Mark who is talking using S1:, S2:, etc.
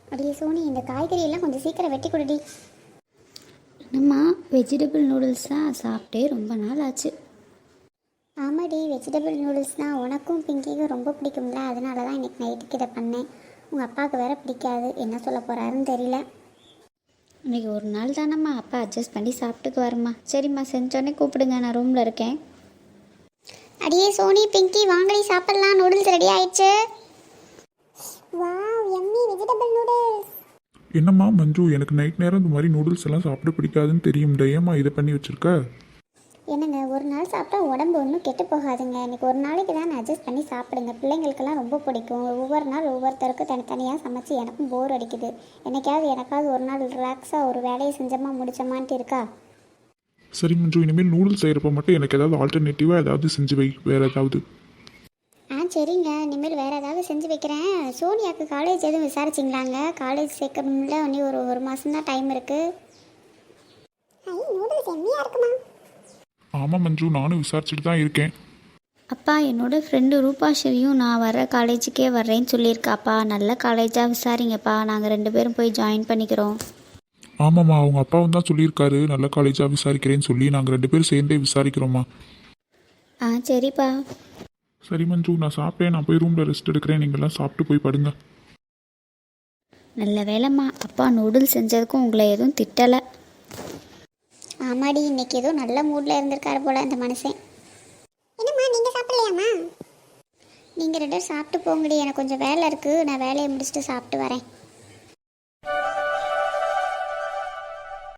S1: அப்படியே சோனி, இந்த காய்கறி எல்லாம் கொஞ்சம் சீக்கிரம் வெட்டி கொடுடி.
S2: என்னம்மா வெஜிடபிள் நூடுல்ஸ் தான் சாப்பிட்டே ரொம்ப நாள் ஆச்சு.
S1: ஆமாடி, வெஜிடபிள் நூடுல்ஸ் தான் உனக்கும் பிங்கிக்கும் ரொம்ப பிடிக்கும்ல, அதனால தான் இன்றைக்கி நைட்டுக்கு இதை பண்ணேன். உங்கள் அப்பாவுக்கு வேற பிடிக்காது, என்ன சொல்ல போகிறாருன்னு தெரியல.
S2: இன்றைக்கி ஒரு நாள் தானம்மா, அப்பா அட்ஜஸ்ட் பண்ணி சாப்பிட்டுக்குவாருமா. சரிம்மா, செஞ்சோடனே கூப்பிடுங்க, நான் ரூமில் இருக்கேன்.
S1: அடியே சோனி, பிங்கி வாங்கடி சாப்பிட்லாம், நூடுல்ஸ் ரெடி ஆயிடுச்சு. Wow, yummy vegetable noodles.
S3: என்னம்மா மஞ்சு, எனக்கு நைட் நேரம் இந்த மாதிரி நூடுல்ஸ் எல்லாம் சாப்பிட பிடிக்காதுன்னு தெரியும், ஏம்மா இதை பண்ணி வச்சிருக்க?
S1: என்னங்க, ஒரு நாள் சாப்பிட்டா உடம்பு ஒன்றும் கெட்டு போகாதுங்க. இன்றைக்கி ஒரு நாளைக்கு தான் அட்ஜஸ்ட் பண்ணி சாப்பிடுங்க, பிள்ளைங்களுக்கெல்லாம் ரொம்ப பிடிக்கும். ஒவ்வொரு நாள் ஒவ்வொருத்தருக்கும் தனித்தனியாக சமைச்சு எனக்கும் போர் அடிக்குது. எனக்காவது ஒரு நாள் ரிலாக்ஸாக ஒரு வேலையை செஞ்சோமா முடிச்சோமான்ட்டு இருக்கா?
S3: சரி மஞ்சு, இனிமேல் நூடுல்ஸ் செய்கிறப்ப மட்டும் எனக்கு ஏதாவது ஆல்டர்னேட்டிவாக ஏதாவது செஞ்சு வை, வேறு ஏதாவது.
S1: சரிங்க, இனிமேல் வேறு ஏதாவது செஞ்சு வைக்கிறேன். சோனியாவுக்கு காலேஜ் எதுவும் விசாரிச்சிங்களாங்க? காலேஜ் சேர்க்கணும்ல, இன்னும் ஒரு மாதம் தான் டைம் இருக்குது. நூடுல்ஸ் எம்மியாக இருக்குமா?
S3: ஆமாம் மஞ்சு, நானும் விசாரிச்சுட்டு தான் இருக்கேன்.
S2: அப்பா, என்னோடய ஃப்ரெண்டு ரூபாஸ்ரீயும் நான் வர காலேஜுக்கே வர்றேன்னு சொல்லியிருக்காப்பா. நல்ல காலேஜாக விசாரிங்கப்பா, நாங்கள் 2 பேரும் போய் ஜாயின் பண்ணிக்கிறோம்.
S3: ஆமாம்மா, அவங்க அப்பாவும் தான் சொல்லியிருக்காரு நல்ல காலேஜாக விசாரிக்கிறேன்னு சொல்லி. நாங்கள் 2 பேரும் சேர்ந்தே விசாரிக்கிறோம்மா.
S2: சரிப்பா.
S3: சரி மஞ்சு, நான் சாப்பிட்டேன், நான் போய் ரூமில் ரெஸ்ட் எடுக்கிறேன். நீங்கள்லாம் சாப்பிட்டு போய் படுங்க.
S2: நல்ல வேலைம்மா, அப்பா நூடுல்ஸ் செஞ்சதுக்கும் உங்களை எதுவும் திட்டலை.
S1: ஆமாடி, இன்னைக்கு ஏதோ நல்ல மூடில் இருந்திருக்காரு போல இந்த மனுஷன். என்னம்மா, நீங்கள் சாப்பிடலையாம்மா? நீங்கள் 2 பேரும் சாப்பிட்டு போங்கடி, எனக்கு கொஞ்சம் வேலை இருக்குது, நான் வேலையை முடிச்சுட்டு சாப்பிட்டு வரேன்.